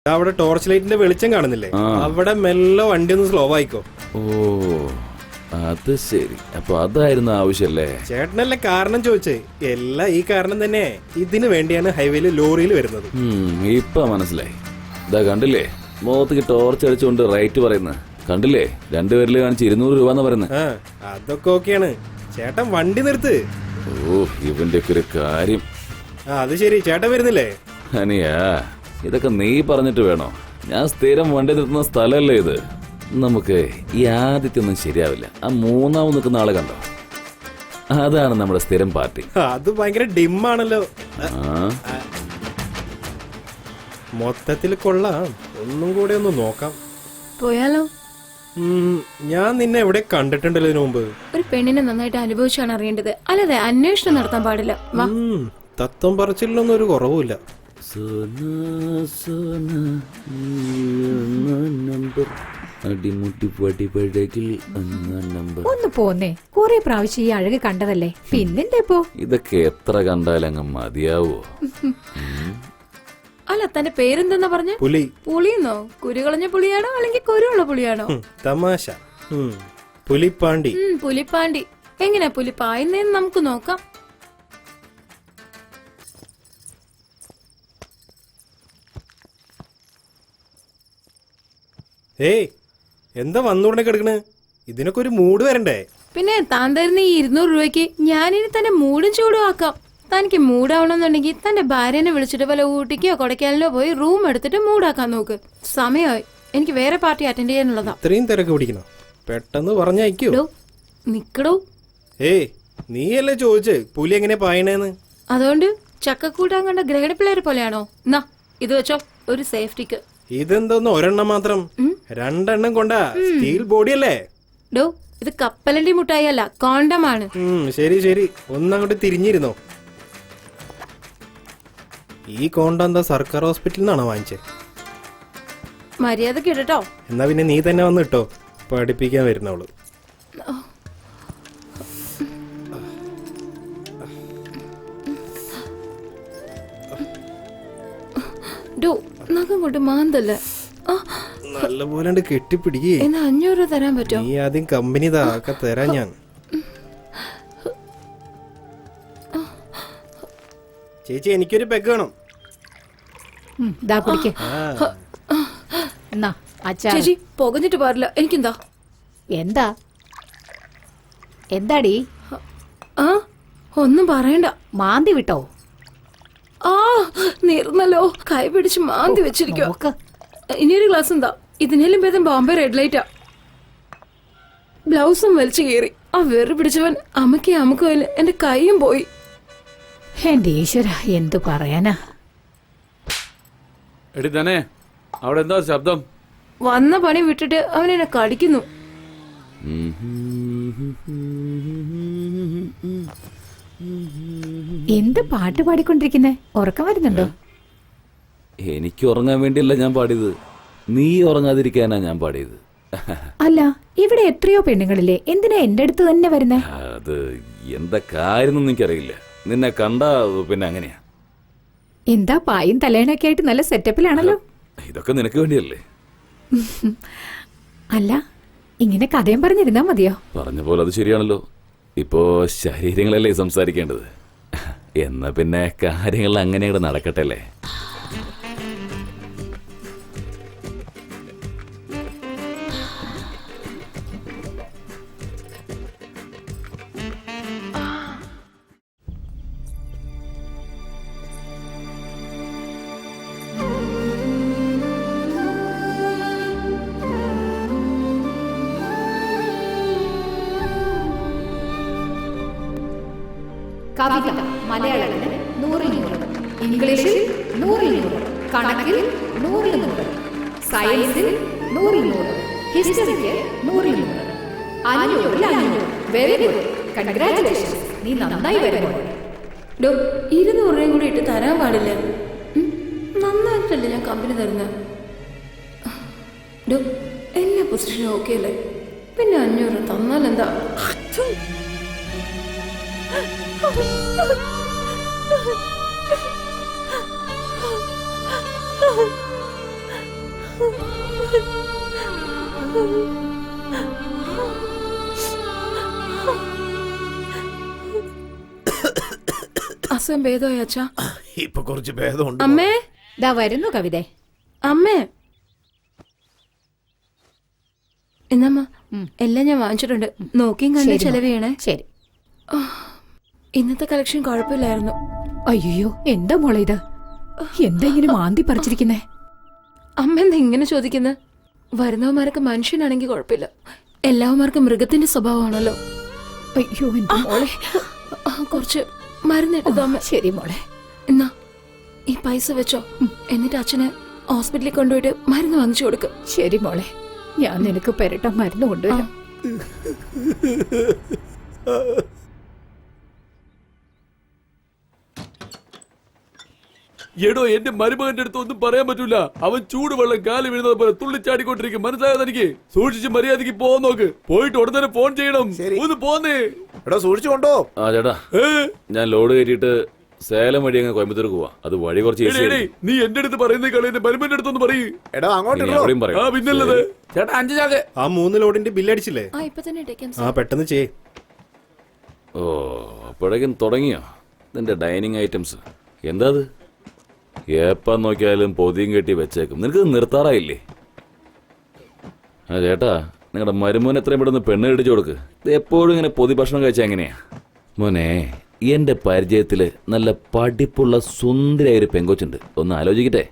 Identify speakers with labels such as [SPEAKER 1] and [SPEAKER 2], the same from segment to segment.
[SPEAKER 1] അവിടെ ടോർച്ച് ലൈറ്റിന്റെ വെളിച്ചം കാണുന്നില്ലേ, അവിടെ മെല്ലെ വണ്ടി ഒന്ന് സ്ലോ ആയിക്കോ.
[SPEAKER 2] ഓ അത് ശരി, അപ്പൊ അതായിരുന്നു ആവശ്യല്ലേ?
[SPEAKER 1] ചേട്ടനല്ലേ കാരണം ചോദിച്ചേ. എല്ലാം ഈ കാരണം തന്നെ. ഇതിനു വേണ്ടിയാണ് ഹൈവേയിൽ ലോറിയിൽ വരുന്നത്.
[SPEAKER 2] ഇപ്പൊ മനസ്സിലായി. ഇതാ കണ്ടില്ലേ, മുഖത്തേക്ക് ടോർച്ച് അടിച്ചുകൊണ്ട് റൈറ്റ് പറയുന്നത് കണ്ടില്ലേ? രണ്ടുപേരില് കാണിച്ച് 200 രൂപ എന്ന് പറയുന്നത്.
[SPEAKER 1] അതൊക്കെ ഓക്കെയാണ്. ചേട്ടൻ വണ്ടി നിർത്ത്.
[SPEAKER 2] ഓ ഇവന്റെ ഒക്കെ ഒരു കാര്യം.
[SPEAKER 1] അത് ശരി, ചേട്ടൻ വരുന്നില്ലേ?
[SPEAKER 2] അനിയാ, ഇതൊക്കെ നീ പറഞ്ഞിട്ട് വേണോ? ഞാൻ സ്ഥിരം വണ്ടി നിർത്തുന്ന സ്ഥലമല്ലേ ഇത്. നമുക്ക് ഈ ആദ്യത്തൊന്നും ശരിയാവില്ല. ആ മൂന്നാമത് നിൽക്കുന്ന ആളെ കണ്ടോ? അതാണ് നമ്മുടെ സ്ഥിരം പാർട്ടി.
[SPEAKER 1] അത് ഭയങ്കര ഡിമ്മാണല്ലോ. മൊത്തത്തിൽ കൊള്ളാം. ഒന്നും കൂടെ ഒന്ന് നോക്കാം.
[SPEAKER 3] പോയാലോ?
[SPEAKER 1] ഞാൻ നിന്നെ എവിടെ കണ്ടിട്ടുണ്ടല്ലോ ഇതിനു മുമ്പ്.
[SPEAKER 3] ഒരു പെണ്ണിനെ നന്നായിട്ട് അനുഭവിച്ചാണ് അറിയേണ്ടത്, അല്ലാതെ അന്വേഷണം നടത്താൻ പാടില്ല.
[SPEAKER 1] തത്വം പറച്ചിലൊന്നും ഒരു കുറവുമില്ല.
[SPEAKER 4] ഒന്ന് പോന്നേ, കൊറേ പ്രാവശ്യം ഈ അഴക് കണ്ടതല്ലേ, പിന്നെന്താ ഇപ്പോ
[SPEAKER 2] ഇതൊക്കെ എത്ര കണ്ടാലങ്ങ് മതിയാവോ?
[SPEAKER 3] അല്ല, തന്റെ പേരെന്തെന്നാ പറഞ്ഞ?
[SPEAKER 1] പുലി.
[SPEAKER 3] പുളിയെന്നോ? കുരുകളഞ്ഞ പുളിയാണോ അല്ലെങ്കിൽ കുരുള്ള പുളിയാണോ?
[SPEAKER 1] തമാശ. പുലിപ്പാണ്ടി.
[SPEAKER 3] പുലിപ്പാണ്ടി. എങ്ങനെയാ പുലി പായുന്നേന്ന് നമുക്ക് നോക്കാം.
[SPEAKER 1] ഏയ്, എന്താ വന്നുടനെ കിടക്കണ്? ഇതിനൊക്കെ ഒരു മൂഡ് വരണ്ടേ?
[SPEAKER 3] പിന്നെ താൻ തരുന്ന ഈ 200 രൂപയ്ക്ക് ഞാനിനി തന്നെ മൂടും ചൂടും ആക്കാം. തനിക്ക് മൂടാവണമെന്നുണ്ടെങ്കിൽ തന്റെ ഭാര്യനെ വിളിച്ചിട്ട് വല്ല ഊട്ടിക്കോ കൊടൈക്കനാലിലോ പോയി റൂം എടുത്തിട്ട് മൂടാക്കാൻ നോക്ക്. സമയമായി, എനിക്ക് വേറെ പാർട്ടി അറ്റൻഡ് ചെയ്യാനുള്ളതാ.
[SPEAKER 1] ഇത്രയും തിരക്ക് പിടിക്കണം, പെട്ടെന്ന് പറഞ്ഞയക്കോ.
[SPEAKER 3] നിക്കടോ.
[SPEAKER 1] ഏയ്, നീയല്ലേ ചോദിച്ചേ പുലി എങ്ങനെ പായണേന്ന്?
[SPEAKER 3] അതുകൊണ്ട് ചക്കക്കൂട്ടാൻ കണ്ട ഗ്രഹണ പിള്ളേരെ പോലെയാണോ? എന്നാ ഇത് വെച്ചോ, ഒരു സേഫ്റ്റിക്ക്.
[SPEAKER 1] ഇതെന്തോന്ന് ഒരെണ്ണം മാത്രം? 2 എണ്ണം കൊണ്ടാ? സ്റ്റീൽ ബോഡിയല്ലേ?
[SPEAKER 3] ഡോ, ഇത് കപ്പലണ്ടി മുട്ടായി അല്ല, കോണ്ടമാണ്.
[SPEAKER 1] ശരി ശരി, ഒന്നങ്ങോട്ട് തിരിഞ്ഞിരുന്നോ. ഈ കോണ്ട എന്താ സർക്കാർ ഹോസ്പിറ്റലിൽ നിന്നാണോ വാങ്ങിച്ചേ?
[SPEAKER 3] മര്യാദക്ക് ഇടട്ടോ.
[SPEAKER 1] എന്നാ പിന്നെ നീ തന്നെ വന്ന് ഇട്ടോ, പഠിപ്പിക്കാൻ വരുന്നവള്.
[SPEAKER 3] ഡോ, നഖം കൊണ്ട് മാന്തല്ലേ.
[SPEAKER 1] നല്ലപോലെ കെട്ടിപ്പിടിക്കേ.
[SPEAKER 3] എന്നാ 500 രൂപ തരാൻ പറ്റോ?
[SPEAKER 1] നീ ആദ്യം കമ്പനി താക്ക തരാൻ ഞാൻ. ചേച്ചി, എനിക്കൊരു പെഗ് വേണം.
[SPEAKER 3] ചേച്ചി, പുകഞ്ഞിട്ട് പാടില്ല. എനിക്കെന്താ?
[SPEAKER 4] എന്താ എന്താടി?
[SPEAKER 3] ഒന്നും പറയണ്ട.
[SPEAKER 4] മാന്തി വിട്ടോ?
[SPEAKER 3] നീർന്നല്ലോ, കൈ പിടിച്ച് മാന്തി വെച്ചിരിക്കോ. ഇനിയൊരു ഗ്ലാസ് എന്താ? ഇതിനേലും ഭേദം ബോംബെ റെഡ് ലൈറ്റാ. ബ്ലൗസും വലിച്ചു കീറി. ആ വെറു പിടിച്ചവൻ അമുക്കയില് എന്റെ കൈയും പോയി.
[SPEAKER 4] എന്റെ ഈശ്വര, എന്തു പറയാനാ.
[SPEAKER 2] എടി തന്നെ, അവിടെ എന്താ ശബ്ദം?
[SPEAKER 3] വന്ന പണി വിട്ടിട്ട് അവനെന്നെ കടിക്കുന്നു.
[SPEAKER 4] എന്ത് പാട്ട് പാടിക്കൊണ്ടിരിക്കുന്നേ? ഉറക്കം വരുന്നുണ്ടോ?
[SPEAKER 2] എനിക്ക് ഉറങ്ങാൻ വേണ്ടിയല്ല ഞാൻ പാടിയത്, നീ ഉറങ്ങാതിരിക്കാനാ ഞാൻ പാടിയത്.
[SPEAKER 4] അല്ല, ഇവിടെ എത്രയോ പെണ്ണുങ്ങളില്ലേ, എന്തിനാ എന്റെ അടുത്ത് തന്നെ വരുന്നേ?
[SPEAKER 2] അത് എന്താ കാര്യം എനിക്കറിയില്ല. നിന്നെ കണ്ടാ പിന്നെ അങ്ങനെയാ.
[SPEAKER 4] എന്താ പായും തലേണൊക്കെ ആയിട്ട് നല്ല സെറ്റപ്പിലാണല്ലോ.
[SPEAKER 2] ഇതൊക്കെ നിനക്ക് വേണ്ടിയല്ലേ?
[SPEAKER 4] അല്ല, ഇങ്ങനെ കഥയും പറഞ്ഞിരുന്നാ മതിയോ?
[SPEAKER 2] പറഞ്ഞ പോലെ അത് ശരിയാണല്ലോ. ഇപ്പോ ശരീരങ്ങളല്ലേ സംസാരിക്കേണ്ടത്. എന്നാ പിന്നെ കാര്യങ്ങൾ അങ്ങനെ നടക്കട്ടെ അല്ലേ?
[SPEAKER 4] കവിത മലയാളത്തിൽ 100-100, ഇംഗ്ലീഷിൽ 100-100, കണക്കിൽ 100-100, സയൻസിൽ 100-100, ഹിസ്റ്ററിക്ക് 100-100, 500-500. വെരി ഗുഡ്, കൺഗ്രാറ്റുലേഷൻസ്, നീ നന്നായി വരുന്നു.
[SPEAKER 3] 200 രൂപയും കൂടി ഇട്ട് തരാൻ പാടില്ല. നന്നായിട്ടല്ലേ ഞാൻ കമ്പനി തരുന്നത്. എല്ലാ പൊസിഷനും ഓക്കെ അല്ലേ? പിന്നെ 500 തന്നാലെന്താ? അസുഖം ഭേദമായി അച്ഛാ?
[SPEAKER 5] ഇപ്പൊ കുറച്ച് ഭേദമുണ്ട്.
[SPEAKER 3] അമ്മേ,
[SPEAKER 4] ദാ വരുന്നു കവിതേ.
[SPEAKER 3] അമ്മേ. എന്നമ്മ എല്ലാം ഞാൻ വാങ്ങിച്ചിട്ടുണ്ട്. നോക്കിയും കണ്ട് ചെലവ് ചെയ്യണേ.
[SPEAKER 4] ശരി.
[SPEAKER 3] ഇന്നത്തെ കളക്ഷൻ കുഴപ്പമില്ലായിരുന്നു.
[SPEAKER 4] അയ്യോ, എന്താ മോളെ ഇത്? എന്താ ഇങ്ങനെ മാന്തി പറിച്ചിരിക്കുന്നേ?
[SPEAKER 3] അമ്മ എന്താ ഇങ്ങനെ ചോദിക്കുന്നത്? വരുന്നവന്മാരൊക്കെ മനുഷ്യനാണെങ്കിൽ കുഴപ്പമില്ല, എല്ലാവന്മാർക്കും മൃഗത്തിന്റെ സ്വഭാവമാണല്ലോ.
[SPEAKER 4] അയ്യോ എന്റെ മോളെ.
[SPEAKER 3] കുറച്ച് മരുന്നിട്ടതോ അമ്മ?
[SPEAKER 4] ശരി മോളെ.
[SPEAKER 3] എന്നാ ഈ പൈസ വെച്ചോ, എന്നിട്ട് അച്ഛനെ ഹോസ്പിറ്റലിൽ കൊണ്ടുപോയിട്ട് മരുന്ന് വാങ്ങിച്ചു കൊടുക്കും.
[SPEAKER 4] ശരി മോളെ, ഞാൻ നിനക്ക് പെരട്ട മരുന്ന് കൊണ്ടുവരാം.
[SPEAKER 6] എടോ, എന്റെ മരുമകന്റെ അടുത്ത് ഒന്നും പറയാൻ പറ്റൂല. അവൻ ചൂടുവെള്ളം കാലി വീഴുന്നത് പോലെ തുള്ളിച്ചാടിക്കൊണ്ടിരിക്കും. മനസ്സിലായോ തനിക്ക്? സൂക്ഷിച്ച് മര്യാദക്ക് പോകാൻ നോക്ക്. പോയിട്ട് ഉടനെ ഫോൺ ചെയ്യണം. ഒന്ന് പോന്നേ.
[SPEAKER 5] എടാ സൂക്ഷിച്ചു കൊണ്ടോ.
[SPEAKER 2] ആ ചേട്ടാ, ഞാൻ ലോഡ് കയറ്റിയിട്ട് സേലം വഴി അങ്ങ് കോയമ്പത്തൂർക്ക് പോവാ. അത് വഴി കുറച്ച് easy ആയിരിക്കും.
[SPEAKER 6] നീ എന്റെ അടുത്ത് പറയുന്ന കളി എന്റെ മരുമന്റെ അടുത്തൊന്ന് പറയൂ.
[SPEAKER 5] എടാ അങ്ങോട്ട്
[SPEAKER 2] ഇനി
[SPEAKER 5] ഇടോ.
[SPEAKER 2] അവിടെയും പറയും.
[SPEAKER 6] ആ പിന്നല്ലത്. ചേട്ടാ 5 ചാക്ക്.
[SPEAKER 1] ആ 3 ലോഡിന്റെ ബില്ലടിച്ചില്ലേ?
[SPEAKER 3] ഇപ്പൊ തന്നെ ഇട്ടേക്കാം.
[SPEAKER 1] ആ പെട്ടെന്ന് ചെയ്.
[SPEAKER 2] ഓ, അപ്പോഴേക്കും തുടങ്ങിയോ നിന്റെ ഡൈനിങ് ഐറ്റംസ്? എന്താ അത്? എപ്പം നോക്കിയാലും പൊതിയും കെട്ടി വെച്ചേക്കും. നിനക്ക് നിർത്താറായില്ലേ? ആ ചേട്ടാ, നിങ്ങളുടെ മരുമോൻ എത്രയും പെട്ടെന്ന് പെണ്ണ് കെട്ടിച്ചു കൊടുക്ക്. ഇത് എപ്പോഴും ഇങ്ങനെ പൊതി ഭക്ഷണം കഴിച്ചാൽ എങ്ങനെയാ? മോനെ, എന്റെ പരിചയത്തില് നല്ല പഠിപ്പുള്ള സുന്ദരിയായ ഒരു പെങ്കൊച്ചുണ്ട്. ഒന്ന് ആലോചിക്കട്ടെ.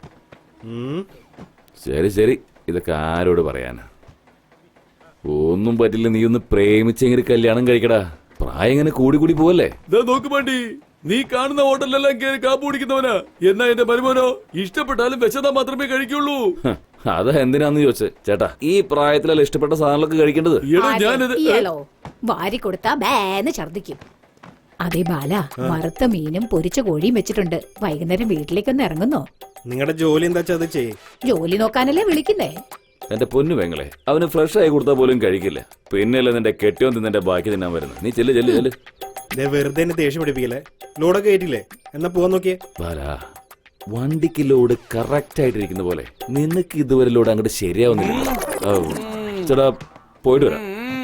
[SPEAKER 2] ശരി ശരി, ഇതൊക്കെ ആരോട് പറയാനാ? ഒന്നും പറ്റില്ല, നീ ഒന്ന് പ്രേമിച്ചെങ്ങനെ കല്യാണം കഴിക്കടാ. പ്രായം ഇങ്ങനെ കൂടി കൂടി പോവല്ലേ?
[SPEAKER 6] നോക്ക് വേണ്ടി നീ കാണുന്ന ഹോട്ടലിലെല്ലാം കയറി കാപ്പ് കുടിക്കുന്നവനാ. എന്നാ എന്റെ മരുമോനോ ഇഷ്ടപ്പെട്ടാലും വെച്ചതാ മാത്രമേ കഴിക്കുള്ളൂ.
[SPEAKER 2] അതാ എന്തിനാന്ന് ചോദിച്ചേ. ചേട്ടാ, ഈ പ്രായത്തിലല്ല ഇഷ്ടപ്പെട്ട സാധനങ്ങളൊക്കെ കഴിക്കേണ്ടത്.
[SPEAKER 6] ഞാനിത്
[SPEAKER 4] വാരി കൊടുത്താ ബേന്ന് ഛർദിക്കും. അതേ ബാല, വറുത്ത മീനും പൊരിച്ച കോഴിയും വെച്ചിട്ടുണ്ട്. വൈകുന്നേരം വീട്ടിലേക്കൊന്ന് ഇറങ്ങുന്നോ?
[SPEAKER 1] നിങ്ങളുടെ ജോലി എന്താ വെച്ചാൽ അത് ചെയ്യ്.
[SPEAKER 4] ജോലി നോക്കാനല്ലേ വിളിക്കുന്നേ?
[SPEAKER 2] എന്റെ പൊന്നു പെങ്ങളെ, അവന് ഫ്രഷ് ആയി കൊടുത്താൽ പോലും കഴിക്കില്ല. പിന്നെയല്ലേ നിന്റെ കെട്ടിയോൻ തിന്നെ ബാക്കി തിന്നാൻ വരുന്നത്. നീ ചെല്ല് ചെല്ല് ചെല്ല്.
[SPEAKER 1] വെറുതെ എന്നെ ദേഷ്യം പിടിപ്പിക്കല്ലേ. ലോഡൊക്കെ കയറ്റില്ലേ? എന്നാ പോവാൻ നോക്കിയേ.
[SPEAKER 2] ബാലാ, വണ്ടിക്ക് ലോഡ് കറക്റ്റ് ആയിട്ടിരിക്കുന്ന പോലെ നിനക്ക് ഇതുവരെ ലോഡ് അങ്ങോട്ട് ശരിയാവുന്നില്ല. ചേട്ടാ, പോയിട്ട് വരാം.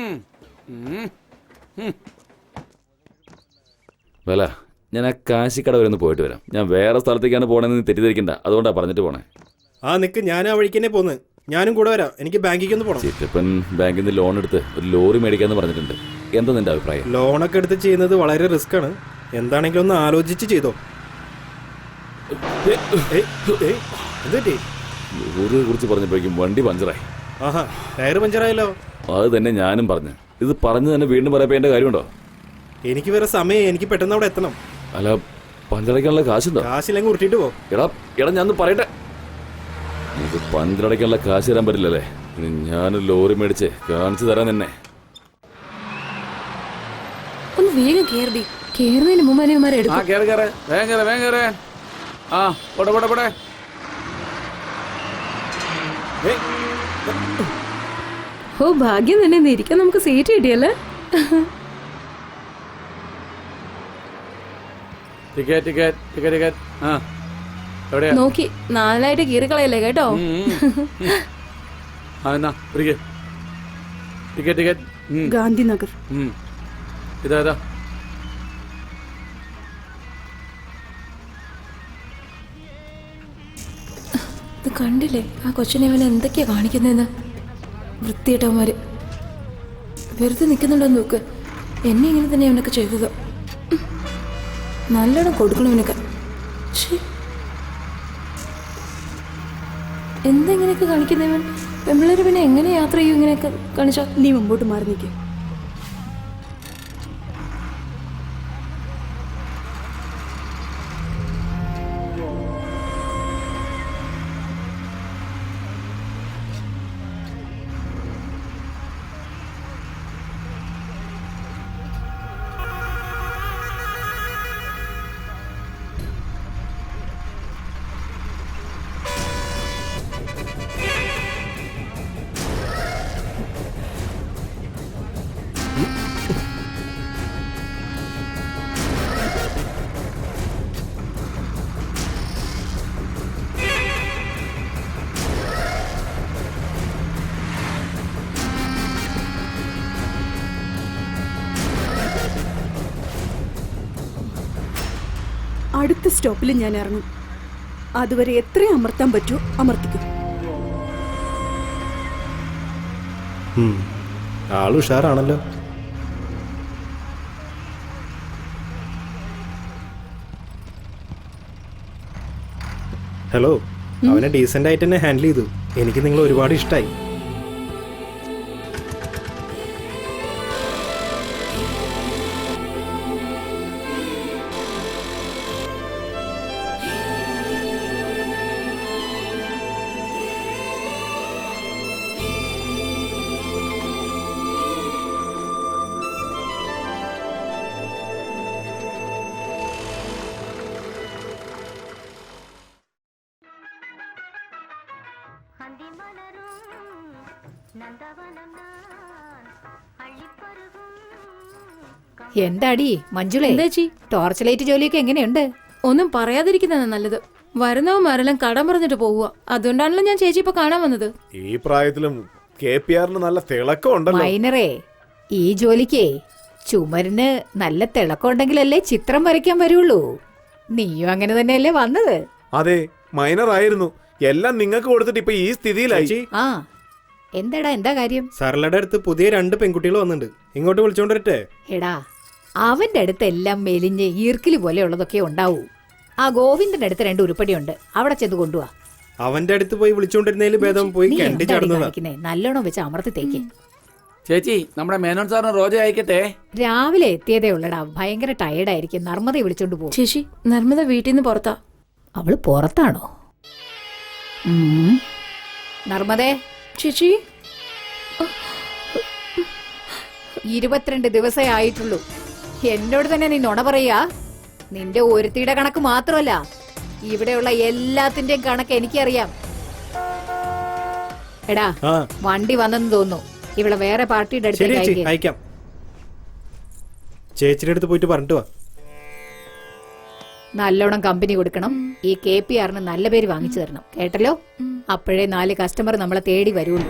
[SPEAKER 2] വേല, ഞാൻ ആ കാശിക്കട വരെ ഒന്ന് പോയിട്ട് വരാം. ഞാൻ വേറെ സ്ഥലത്തേക്കാണ് പോകണമെന്ന് നീ തെറ്റിദ്ധരിക്കണ്ട. അതുകൊണ്ടാ പറഞ്ഞിട്ട് പോണേ.
[SPEAKER 1] ആ നിക്ക്, ഞാൻ ആ വഴിക്ക് തന്നെ പോന്ന്. ഞാനും കൂടെ വരാം. എനിക്ക് ബാങ്കിലേക്ക് ഒന്ന് പോകണം.
[SPEAKER 2] ചിറ്റപ്പൻ ബാങ്കിൽ നിന്ന് ലോൺ എടുത്ത് ഒരു ലോറി മേടിക്കാന്ന് പറഞ്ഞിട്ടുണ്ട്. എന്താ നിന്റെ അഭിപ്രായം?
[SPEAKER 1] ലോണൊക്കെ എടുത്ത് ചെയ്യുന്നത് വളരെ റിസ്ക് ആണ്. എന്താണെങ്കിലും ഒന്ന് ആലോചിച്ച് ചെയ്തോ.
[SPEAKER 2] ലോറിയെ കുറിച്ച് പറഞ്ഞപ്പോഴേക്കും വണ്ടി പഞ്ചറായി.
[SPEAKER 1] ആഹാ, ടയർ പഞ്ചറായല്ലോ.
[SPEAKER 2] അത് തന്നെ ഞാനും പറഞ്ഞു. ഇത് പറഞ്ഞു തന്നെ വീണ്ടും പറയപ്പോ എന്റെ കാര്യമുണ്ടോ?
[SPEAKER 1] എനിക്ക് വേറെ സമയം, എനിക്ക് പെട്ടെന്ന് അവിടെ എത്തണം.
[SPEAKER 2] അല്ല, പഞ്ചറയ്ക്കാനുള്ള കാശുണ്ടോ?
[SPEAKER 1] കാശില്ലെങ്കിൽ ഉരുട്ടിട്ട് പോ.
[SPEAKER 2] എടാ ഞാൻ പറയട്ടെ, നമുക്ക് പഞ്ചറടയ്ക്കാനുള്ള കാശ് തരാൻ പറ്റില്ലല്ലേ? ഇനി ഞാനൊരു ലോറി മേടിച്ച് കാണിച്ചു തരാൻ തന്നെ.
[SPEAKER 3] ഒന്ന് വേഗം കേറി. കേറുന്നതിന് മുമ്പ് അവന്മാരെ എടുക്കും. ഓ, ഭാഗ്യം തന്നെ, ഇന്ന് ഇരിക്കാൻ നമുക്ക് സീറ്റ് കിട്ടിയല്ലേ. നോക്കി 4 കീറിക്കളയല്ലേ കേട്ടോ. ഗാന്ധിനഗർ.
[SPEAKER 6] ഇതാ
[SPEAKER 3] ഇത് കണ്ടില്ലേ ആ കൊച്ചിനെ അവൻ എന്തൊക്കെയാ കാണിക്കുന്നതെന്ന്? വൃത്തിയേട്ടവന്മാര് വെറുതെ നിൽക്കുന്നുണ്ടോന്ന് നോക്ക്. എന്നെ ഇങ്ങനെ തന്നെ അവനൊക്കെ ചെയ്തത്. നല്ലോണം കൊടുക്കണം അവനൊക്കെ. എന്താ ഇങ്ങനെയൊക്കെ കാണിക്കുന്നവൻ? പെമ്പിള്ളേര് പിന്നെ എങ്ങനെ യാത്ര ചെയ്യും ഇങ്ങനെയൊക്കെ കാണിച്ചാ? നീ മുമ്പോട്ട് മാറി നിൽക്കേ.
[SPEAKER 7] അടുത്ത സ്റ്റോപ്പിൽ ഞാൻ ഇറങ്ങും. അതുവരെ എത്രയും അമർത്താൻ പറ്റുമോ അമർത്തിക്കും.
[SPEAKER 1] ആള് ഉഷാറാണല്ലോ. ഹലോ, അവനെ ഡീസന്റ് ആയിട്ട് തന്നെ ഹാൻഡിൽ ചെയ്തു. എനിക്ക് നിങ്ങൾ ഒരുപാട് ഇഷ്ടമായി.
[SPEAKER 4] എന്താടി മഞ്ജുളേ,
[SPEAKER 3] എന്താ ചേച്ചി?
[SPEAKER 4] ടോർച്ച് ലൈറ്റ് ജോലിയൊക്കെ എങ്ങനെയുണ്ട്?
[SPEAKER 3] ഒന്നും പറയാതിരിക്കുന്നതാണ് നല്ലത്. വരുന്നവന്മാരെല്ലാം കടം പറഞ്ഞിട്ട് പോവുക. അതുകൊണ്ടാണല്ലോ ഞാൻ ചേച്ചി ഇപ്പൊ കാണാൻ വന്നത്.
[SPEAKER 5] ഈ പ്രായത്തിലും KPRന് നല്ല തിളക്കം ഉണ്ടല്ലോ.
[SPEAKER 4] മൈനറേ, ഈ ജോലിക്കേ ചുമരിന് നല്ല തിളക്കം ഉണ്ടെങ്കിലല്ലേ ചിത്രം വരയ്ക്കാൻ വരുള്ളൂ. നീയും അങ്ങനെ തന്നെയല്ലേ വന്നത്?
[SPEAKER 5] അതെ, മൈനർ ആയിരുന്നു. എല്ലാം നിങ്ങൾക്ക് കൊടുത്തിട്ട് ഇപ്പൊ ഈ സ്ഥിതിയിലായി.
[SPEAKER 1] ചേച്ചി,
[SPEAKER 4] ആ എന്താടാ, എന്താ കാര്യം?
[SPEAKER 1] സരളയുടെ അടുത്ത് പുതിയ 2 പെൺകുട്ടികൾ വന്നിട്ടുണ്ട്. ഇങ്ങോട്ട് വിളിച്ചോണ്ടിരട്ടെ?
[SPEAKER 4] എടാ, അവന്റെ അടുത്ത് എല്ലാം മെലിഞ്ഞ് ഈർക്കിലി പോലെ ഉള്ളതൊക്കെ ഉണ്ടാവൂ. ആ ഗോവിന്ദന്റെ അടുത്ത് 2 ഉരുപ്പടിയുണ്ട്, അവിടെ ചെന്ന് കൊണ്ടുപോവാ.
[SPEAKER 1] അവന്റെ അടുത്ത് പോയി വിളിച്ചോണ്ടിരുന്നതിൽ ഭേദം പോയി
[SPEAKER 4] നീ
[SPEAKER 1] കണ്ടി
[SPEAKER 4] എന്താടി
[SPEAKER 1] ചടന്നതാ.
[SPEAKER 4] കാണിക്കുന്നെ? നല്ലോണം വെച്ച് അമർത്തി തേക്ക്.
[SPEAKER 6] ചേച്ചി, നമ്മുടെ മേനോൻ സാറിന് റോജ അയക്കട്ടെ.
[SPEAKER 4] രാവിലെ എത്തിയതേ ഉള്ളടാ, ഭയങ്കര ടയേർഡായിരിക്കും. നർമ്മദ വിളിച്ചോണ്ട് പോകും.
[SPEAKER 3] ചേച്ചി, നർമ്മദ വീട്ടിൽ നിന്ന് പുറത്താ.
[SPEAKER 4] അവള് പുറത്താണോ? നർമ്മദേ,
[SPEAKER 3] ചേച്ചി
[SPEAKER 4] 22 ദിവസമേ ആയിട്ടുള്ളൂ. എന്നോട് തന്നെ നീ നുണ പറയാ? നിന്റെ ഒരുത്തിയുടെ കണക്ക് മാത്രമല്ല, ഇവിടെയുള്ള എല്ലാത്തിന്റെയും കണക്ക് എനിക്കറിയാം. എടാ,
[SPEAKER 1] ആ
[SPEAKER 4] വണ്ടി വന്നെന്ന് തോന്നുന്നു. ഇവിടെ വേറെ പാർട്ടിയുടെ
[SPEAKER 1] ശരി ചേച്ചി,
[SPEAKER 4] അടുത്തേക്ക്
[SPEAKER 1] അയക്കാം. ചേച്ചിയുടെ അടുത്ത് പോയിട്ട് പറഞ്ഞിട്ട് വാ.
[SPEAKER 4] നല്ലോണം കമ്പനി കൊടുക്കണം. ഈ KPRന് നല്ല പേര് വാങ്ങിച്ചു തരണം, കേട്ടല്ലോ? അപ്പോഴേ 4 കസ്റ്റമർ നമ്മളെ തേടി വരുള്ളൂ.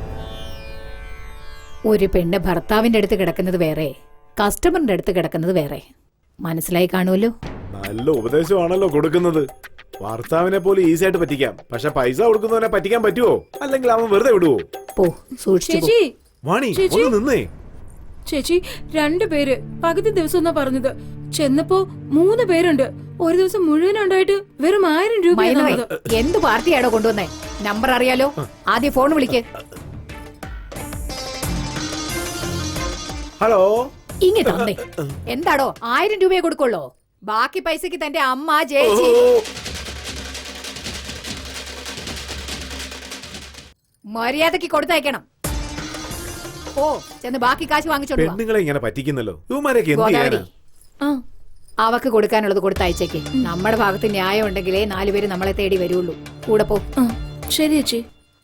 [SPEAKER 4] ഒരു പെണ്ണ് ഭർത്താവിന്റെ അടുത്ത് കിടക്കുന്നത് വേറെ, കസ്റ്റമറിന്റെ അടുത്ത് കിടക്കുന്നത് വേറെ. മനസ്സിലായി കാണുമല്ലോ?
[SPEAKER 5] നല്ല ഉപദേശമാണല്ലോ കൊടുക്കുന്നത്. ഭർത്താവിനെ പോലെ ഈസി ആയിട്ട് പറ്റിക്കാം. പക്ഷെ പൈസ കൊടുക്കുന്നവനെ പറ്റിക്കാൻ പറ്റുമോ? അല്ലെങ്കിൽ അവൻ വെറുതെ വിടുവോ?
[SPEAKER 4] പോ, സൂക്ഷിച്ചു പോ.
[SPEAKER 3] ചേച്ചി,
[SPEAKER 5] വാണി,
[SPEAKER 3] ചേച്ചി.
[SPEAKER 5] ഒന്ന് നിന്നേ.
[SPEAKER 3] ചേച്ചി 2 പേര് പകുതി ദിവസം എന്നാ പറഞ്ഞത്. ചെന്നപ്പോ 3 പേരുണ്ട്. ഒരു ദിവസം മുഴുവൻ ഉണ്ടായിട്ട് വെറും 1000 രൂപ.
[SPEAKER 4] മൈനവേ, എന്ത് പാർട്ടിയാണോ കൊണ്ടുവന്നേ? നമ്പർ അറിയാലോ? ആദ്യം ഫോൺ വിളിക്ക്.
[SPEAKER 5] ഹലോ,
[SPEAKER 4] ഇങ്ങ് തന്നെ. എന്താടോ, 1000 രൂപയെ കൊടുക്കുള്ളോ? ബാക്കി പൈസക്ക് തന്റെ അമ്മ ചേച്ചി. മര്യാദക്ക് കൊടുത്തയക്കണം. ഓ, ചെന്ന് ബാക്കി കാശ് വാങ്ങിച്ചോണ്ട് വാ.
[SPEAKER 5] പെണ്ണുങ്ങളെ ഇങ്ങനെ പറ്റിക്കുന്നല്ലോ. ഇവന്മാരൊക്കെ എന്ത്
[SPEAKER 4] ഗോദാവരി,
[SPEAKER 5] ചെയ്യാനാ?
[SPEAKER 4] അവക്ക് കൊടുക്കാനുള്ളത് കൊടുത്തയച്ചേക്ക്. നമ്മുടെ ഭാഗത്ത് ന്യായം ഉണ്ടെങ്കിലേ 4 പേര് നമ്മളെ തേടി വരുള്ളൂ. കൂടെ പോ.
[SPEAKER 3] ശരി ചേച്ചി.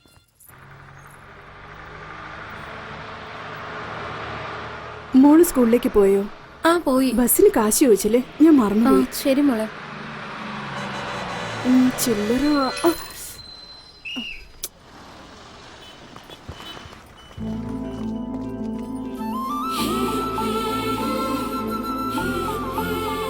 [SPEAKER 7] മോള് സ്കൂളിലേക്ക് പോയോ?
[SPEAKER 3] ആ പോയി.
[SPEAKER 7] ബസ്സിന് കാശ് ചോദിച്ചില്ലേ? ഞാൻ മറന്നു.
[SPEAKER 3] ശരി മോളെ.
[SPEAKER 7] ചില്ലറ